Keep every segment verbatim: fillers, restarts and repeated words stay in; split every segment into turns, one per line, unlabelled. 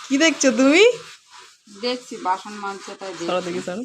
কি দেখছো তুমি?
দেখছি বাসন মাজছে তাই
সরো দেখি সরো।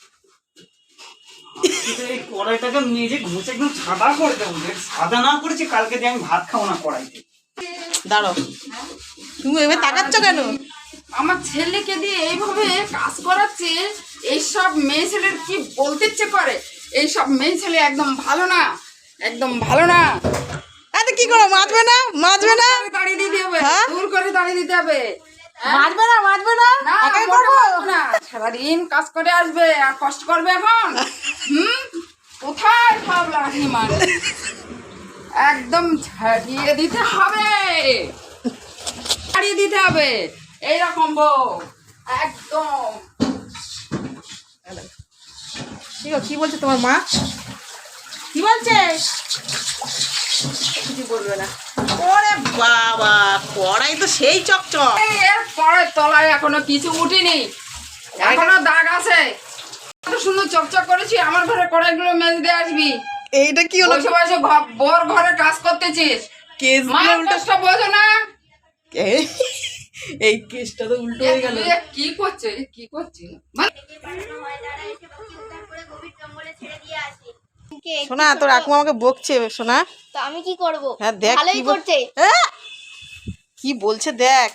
এই কড়াইটাকে মেজে ঘুষে একদম সাদা করে দেবো। সাদা না করেছি কালকে দিয়ে আমি ভাত খাবো না কড়াইতে।
দাঁড়ো, তুমি এভাবে তাকাচ্ছ কেন?
আমার ছেলেকে দিয়ে এইভাবে কাজ করাচ্ছে। এইসব মেয়ে ছেলের কি বলতে ইচ্ছে করে? এইসব মেয়ে ছেলে একদম ভালো না, একদম ভালো না।
আরে কি করো, মাজবে না মাজবে না
দাঁড়িয়ে দিতে হবে,
হ্যাঁ?
দূর করে দাঁড়িয়ে দিতে হবে।
মাজবে না মাজবে না
না,
একাই
মোটে
করবো?
পারবো না। সারাদিন কাজ করে আসবে আর কষ্ট করবে এখন। হুম, কোথায় ভাব লাগে মানে? একদম ছাড়িয়ে দিতে হবে, ছাড়িয়ে দিতে হবে। এইরকম বউ একদম।
কি গো, কি বলছে তোমার মা? কি বলছে? কিছু বলবে না। ওরে বাবা, কড়াই তো সেই চকচক।
এর পরের তলায় এখনো কিছু উঠিনি, এখনো দাগ আছে। কত সুন্দর চকচক করেছি। আমার ঘরে কড়াইগুলো মেজে দিয়ে আসবি।
এইটা কি হলো?
বসে বসে ঘ- বোর ঘরে কাজ করতেছিস,
কেস
মা
গুলো উল্টো।
কষ্ট বোঝো না।
এই- এই কেসটা তো উল্টো হয়ে গেল।
এ কি করছে, এ কি করছে? মানে
শোনা, তোর আকু আমাকে বকছে শোনা।
তো আমি কি করব?
হ্যাঁ দেখ
ভালোই
কি বল-
করছে।
হ্যাঁ? কি বলছে দেখ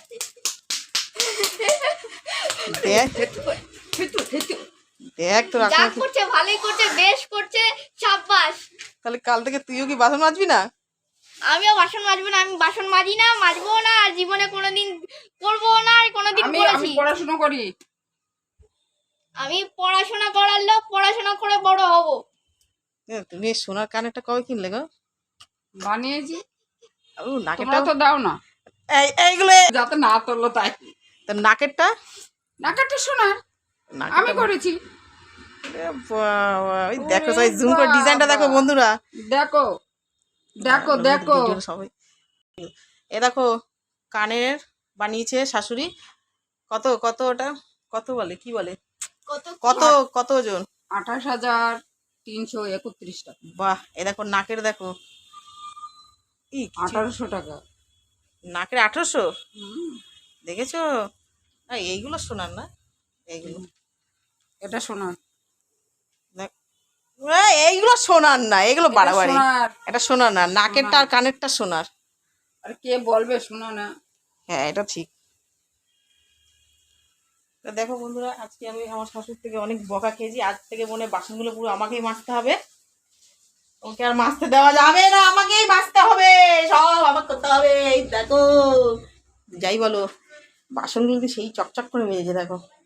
দেখ
থেতু, থেতু।
দেখ তোর আকু
যা
আমাকে-
করছে ভালোই করছে, বেশ করছে, সাব্বাস।
তাহলে কাল থেকে তুইও কি বাসন মাজবি না?
আমিও বাসন মাজবো না, আমি বাসন মাজি না, মাজবো না, আর জীবনে কোনোদিন করবো না, আর কোনোদিন
আমি আমি
করেছি।
পড়াশোনা করি।
আমি পড়াশোনা করার লোক, পড়াশোনা করে বড় হব।
এ, তুমি এই সোনার কানেরটা কবে কিনলে গো?
বানিয়েছি,
ও নাকেরটা
তোমরা তো দাও না,
এই এইগুলো
যাতে না তোলো তাই।
তোর নাকেরটা
নাকাটা শোনা আমি
নাকেরটা
করেছি।
এ বাবা, ওই দেখো সবাই জুম করে ডিজাইনটা দেখো বন্ধুরা।
দেখো দেখো দেখো।
ভিডিওটা সবাই এ দেখো, কানের বানিয়েছে শাশুড়ি। কত কত ওটা কত বলে, কি বলে,
কত
কত কত ওজন?
আঠাশ হাজার তিনশো একত্রিশ টাকা,
বাহ, এ দেখো নাকের দেখো, ই কিছু-
আঠারোশো টাকা।
নাকের আঠারোশো।
হুম,
দেখেছো? আ, এইগুলো শোনার না, এইগুলো
এটা সোনার,
দেখ, এ, এইগুলো শোনার না, এগুলো
এটা
বাড়াবাড়ি।
সোনার।
এটা শোনার না, নাকেরটা আর কানেরটা শোনার।
আর কে বলবে শোনা না?
হ্যাঁ এটা ঠিক। তো দেখো বন্ধুরা, আজকে আমি আমার শাশুড়ি থেকে অনেক বকা খেয়েছি। আজ থেকে মনে হয় বাসনগুলো পুরো আমাকেই মাজতে হবে। ওকে আর মাজতে দেওয়া যাবে না, আমাকেই মাজতে হবে, সব আমাকে করতে হবে। এই দেখো, যাই বলো, বাসনগুলো তো সেই চকচক করে মেজেছে দেখো।